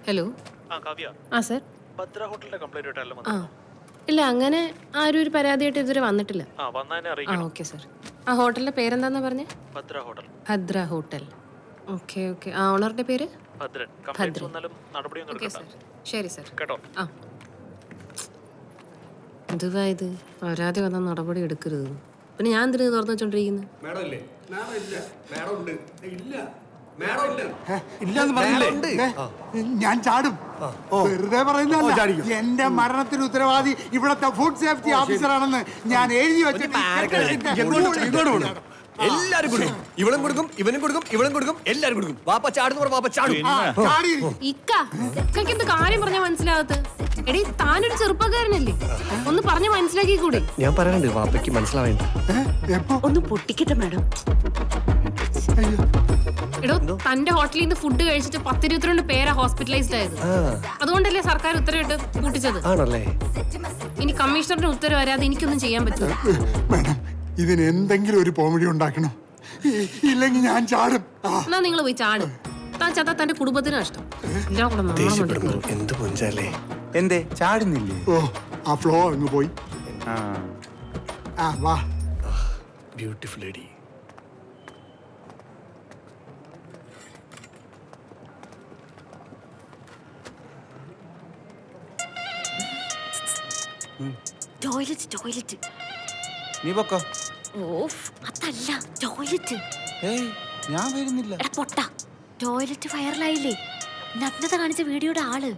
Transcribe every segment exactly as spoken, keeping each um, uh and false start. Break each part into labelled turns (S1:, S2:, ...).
S1: Hello.
S2: ആ കാവ്യ.
S1: ആ sir.
S2: Bhadra ഹോട്ടലിന്റെ കംപ്ലൈന്റ് ആയിട്ടല്ലോ
S1: ആ
S2: വന്നത്.
S1: ഇല്ല, അങ്ങനെ ആരും ഒരു പരാതിയായിട്ട് ഇതുവരെ വന്നിട്ടില്ല.
S2: ആ വന്നതിനെ
S1: ആ
S2: അറിയിക്കണം.
S1: Okay sir. ആ ഹോട്ടലിന്റെ പേരെന്താന്നാ പറഞ്ഞേ?
S2: Bhadra hotel.
S1: Bhadra hotel. Okay okay. ആ ഓണറിന്റെ പേര്?
S2: ഭദ്രൻ. കംപ്ലൈന്റ് വന്നാലും നടപടിയൊന്നും
S1: ഓക്കെ
S2: എടുക്കണ്ട.
S1: സർ. ശരി സർ.
S2: കേട്ടോ?
S1: ആ എന്തുവാ ഇത്? പരാതി വന്നാൽ നടപടി എടുക്കരുത്. പിന്നെ ഞാൻ എന്തിനു തുറന്നു വെച്ചോണ്ടിരിക്കുന്നത്?
S3: ഞാൻ ചാടും. വെറുതെ പറയുന്നതല്ല. എന്റെ മരണത്തിന് ഉത്തരവാദി ഇവിടത്തെ ഫുഡ് സേഫ്റ്റി ഓഫീസറാണെന്ന് ഞാൻ എഴുതി വെച്ചിട്ട്
S4: എല്ലാരും കൊടുക്കും. ഇവളും കൊടുക്കും, ഇവനും കൊടുക്കും, ഇവളും കൊടുക്കും, എല്ലാരും കൊടുക്കും. വാപ്പ ചാടുന്ന വാപ്പ ചാടും.
S1: ഇക്ക ഇക്കയ്ക്ക് എന്ത് കാര്യം പറഞ്ഞാൽ മനസ്സിലാകത്ത്? എടീ, താനൊരു ചെറുപ്പക്കാരനല്ലേ, ഒന്ന് പറഞ്ഞ് മനസ്സിലാക്കി കൂടെ?
S4: ഞാൻ പറയാനുണ്ട്, വാപ്പയ്ക്ക് മനസ്സിലാവേണ്ട.
S5: ഒന്ന് പൊട്ടിക്കട്ടെ മാഡം.
S1: എടോ, തന്റെ ഹോട്ടലിൽ നിന്ന് ഫുഡ് കഴിച്ചിട്ട് പത്തിരുപത്തിരണ്ട് പേരാ ഹോസ്പിറ്റലൈസ്ഡ് ആയത്. അതുകൊണ്ടല്ലേ സർക്കാർ ഉത്തരവിട്ട് കൂട്ടിച്ചത്.
S4: ആണല്ലേ?
S1: ഇനി കമ്മീഷണറുടെ ഉത്തരവ് വരാതെ എനിക്കൊന്നും ചെയ്യാൻ പറ്റില്ല.
S3: മേഡം, ഇതിന് എന്തെങ്കിലും ഒരു പോംവഴി ഉണ്ടാക്കണം, ഇല്ലെങ്കിൽ ഞാൻ ചാടും.
S1: എന്നാ നിങ്ങൾ പോയി ചാടും. താൻ ചത്താ തന്റെ കുടുംബത്തിന് നഷ്ടം. എല്ലാം കൂടെ നാണം മടുക്കും.
S4: എന്ത് പൊഞ്ചാലേ.
S6: എന്തേ ചാടുന്നില്ലേ?
S3: ഓ, ആ ഫ്ലോ അങ്ങ് പോയി. ആ വാ.
S4: Beautiful lady.
S5: Toilet toilet.
S6: നീ പൊക്കോ.
S5: ഓഫ്, അതല്ല ടോയ്ലറ്റ്.
S6: ഏയ് ഞാൻ വരുന്നില്ല.
S5: എടാ പൊട്ട, ടോയ്ലറ്റ് വൈറലായില്ലേ? നഗ്നത കാണിച്ച വീഡിയോയുടെ ആള്.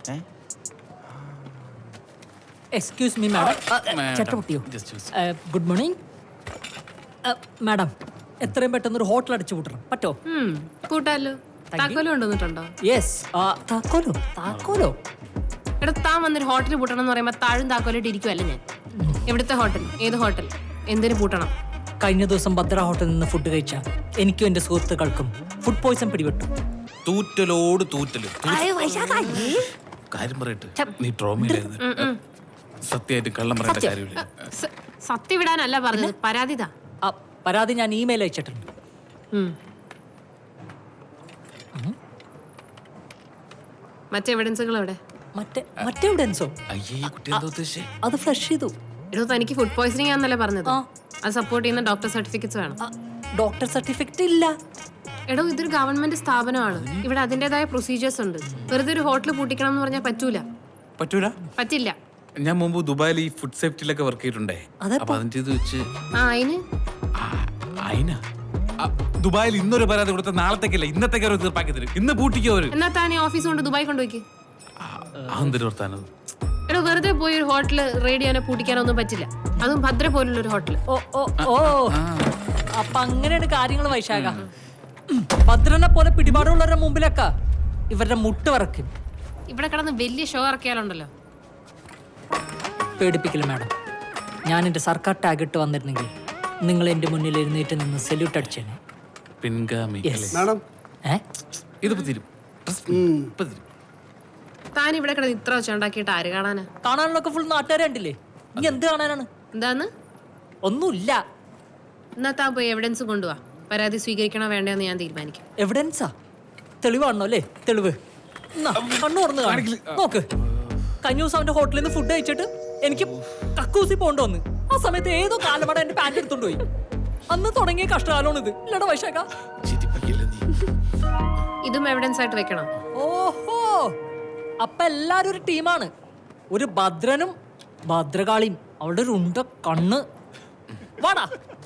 S7: Excuse me madam. ചട്ടപൊട്ടിയോ? Good morning madam. എത്രയും പെട്ടെന്ന് ഒരു ഹോട്ടൽ അടിച്ചു കൂട്ടണം പറ്റോ?
S1: കൂട്ടാലോ. താക്കോലും കൊണ്ടുവന്നിട്ടുണ്ടോ?
S7: യെസ്. താക്കോലോ? താക്കോലോ?
S1: എടാ, താൻ വന്നൊരു ഹോട്ടൽ പൂട്ടണം എന്ന് പറയുമ്പോ താഴും താക്കോലായിട്ട് ഇരിക്കുവല്ല ഞാൻ. എവിടുത്തെ ഹോട്ടൽ? ഏത് ഹോട്ടൽ? എന്തിനു പൂട്ടണം?
S7: കഴിഞ്ഞ ദിവസം ഭദ്ര ഹോട്ടലിൽ നിന്ന് ഫുഡ് കഴിച്ച എനിക്കും എന്റെ സുഹൃത്തുക്കൾക്കും ഫുഡ് പോയ്സൺ പിടിപെട്ടു.
S8: തൂറ്റലോട് തൂറ്റല്.
S5: ആയോ വൈശാഖ, ഏ?
S8: കാര്യം പറയട്ടെ, നീ ട്രോമയിലായിരുന്നു. സത്യമായിട്ട് കള്ളം പറയേണ്ട കാര്യമില്ല.
S1: സ- സത്യം വിടാനല്ല പറഞ്ഞത്, പരാതിതാ.
S7: ആ പരാതി ഞാൻ ഇമെയിൽ അയച്ചിട്ടുണ്ട്.
S1: മറ്റെവിഡൻസുകൾ എവിടെ?
S7: മറ്റേ മറ്റെവിഡൻസോ?
S8: അയ്യേ, കുട്ടി എന്താ ഉദ്ദേശിച്ചേ?
S7: അത് ഫ്ലഷ് ചെയ്തു.
S1: എടോ, തനിക്ക് ഫുഡ് പോയ്സണിംഗ് ആണെന്നല്ലേ പറഞ്ഞത്?
S7: ആ.
S1: അത് സപ്പോർട്ട് ചെയ്യുന്ന ഡോക്ടർ സർട്ടിഫിക്കറ്റ്സ് വേണം.
S7: ഡോക്ടർ സർട്ടിഫിക്കറ്റ് ഇല്ല.
S1: എടോ, ഇതൊരു ഗവൺമെന്റ് സ്ഥാപനമാണ്. ഇവിടെ അതിന്റേതായ പ്രൊസീജിയേഴ്സ് ഉണ്ട്. വെറുതെ ഒരു ഹോട്ടൽ പൂട്ടിക്കണം എന്ന് പറഞ്ഞാൽ പറ്റൂല.
S8: പറ്റൂല?
S1: പറ്റില്ല.
S8: ഞാൻ മുമ്പ് ദുബായിൽ ഈ ഫുഡ് സേഫ്റ്റിയിലൊക്കെ വർക്ക് ചെയ്തിട്ടുണ്ടേ. അപ്പൊ അതിന്റെ ഇത് വെച്ച്
S1: ആ അതിന്
S8: അയിന ദുബായിൽ ഇന്നൊരു പരാതി കൊടുത്ത നാളത്തേക്കല്ല ഇന്നത്തേക്ക് അവർ തീർപ്പാക്കി തരും. ഇന്ന് പൂട്ടിക്കോ അവര്.
S1: എന്നാ താൻ ഈ ഓഫീസ് കൊണ്ട് ദുബായ് കൊണ്ടുപോയിക്ക്.
S8: അതെന്തൊരു വർത്താനത്?
S1: എടോ, വെറുതെ പോയി ഒരു ഹോട്ടല് റെയ്ഡ് ചെയ്യാനോ പൂട്ടിക്കാനോ ഒന്നും പറ്റില്ല. അതും ഭദ്ര പോലുള്ള ഒരു ഹോട്ടൽ.
S7: ഓ ഓ ഓ അപ്പൊ അങ്ങനെയാണ് കാര്യങ്ങൾ വൈശാഖ. ഭദ്രനെ പോലെ പിടിപാടുള്ളവരുടെ മുമ്പിലൊക്കെ ഇവരുടെ മുട്ട് വറക്കും.
S1: ഇവിടെ കിടന്ന് വലിയ ഷോ ഇറക്കിയാലുണ്ടല്ലോ.
S7: പേടിപ്പിക്കില്ല മാഡം. ഞാൻ എന്റെ സർക്കാർ ടാഗ് ഇട്ട് വന്നിരുന്നെങ്കിൽ നിങ്ങൾ എന്റെ മുന്നിൽ എഴുന്നേറ്റ് നിന്ന് സല്യൂട്ട് അടിച്ചേനെ.
S8: പിൻഗാമി.
S3: മേഡം,
S7: ഏ
S8: ഇതിപ്പോ തീരും. ഇപ്പൊ തീരും.
S1: താൻ ഇവിടെ കിടന്ന് ഇത്ര വെച്ച് ഉണ്ടാക്കിയിട്ട് ആര് കാണാനാ?
S7: കാണാനുള്ളൊക്കെ ഫുൾ നാട്ടുകാരെ കണ്ടില്ലേ? ഇനി എന്ത് കാണാനാണ്?
S1: എന്താന്ന്?
S7: ഒന്നുമില്ല.
S1: എന്നാ താൻ പോയി എവിഡൻസ് കൊണ്ടുപോവാ. പരാതി സ്വീകരിക്കണോ വേണ്ടെന്ന് ഞാൻ തീരുമാനിക്കും.
S7: എവിഡൻസാ? തെളിവാണോ അല്ലേ? തെളിവ് കണ്ണു തുറന്ന് കാണിക്കില്ല. നോക്ക്, കഴിഞ്ഞ ദിവസം അവന്റെ ഹോട്ടലിൽ നിന്ന് ഫുഡ് കഴിച്ചിട്ട് എനിക്ക് കക്കൂസി പോകേണ്ടി വന്ന്. ആ സമയത്ത് ഏതോ കാലമട എന്റെ പാൻറ് എടുത്തോണ്ട് പോയി. അന്ന് തുടങ്ങിയ കഷ്ടകാലമാണ് ഇത്. ഇല്ലടാ വൈശാഖ.
S1: ഇതും എവിഡൻസ് ആയിട്ട് വെക്കണം.
S7: ഓഹോ, അപ്പൊ എല്ലാരും ഒരു ടീമാണ്. ഒരു ഭദ്രനും ഭദ്രകാളിയും അവളുടെ ഒരു ഉണ്ട കണ്ണ്. വാടാ.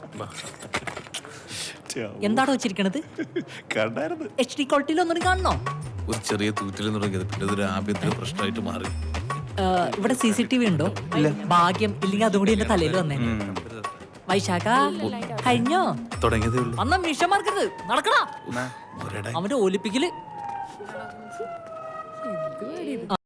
S7: എന്താണോ വെച്ചിരിക്കണത്? എച്ച് ഡി ക്വാളിറ്റിയിൽ ഒന്നും കാണണോ?
S8: ഒരു ചെറിയ തൂറ്റിൽ തുടങ്ങിയത് പിന്നെ ഇതൊരു ആഭ്യന്തര പ്രശ്നമായിട്ട് മാറി.
S7: ഇവിടെ സി സി ടി വി ഉണ്ടോ? ഭാഗ്യം, ഇല്ലെങ്കിൽ അതുകൂടി എന്റെ തലയിൽ വന്നേ. വൈശാഖ കഴിഞ്ഞോ?
S8: തുടങ്ങിയതേ ഉള്ളൂ.
S7: അന്ന മിഷമാർക്കരുത്, നടക്കടാ. അവന്റെ ഒലിപ്പിക്കല്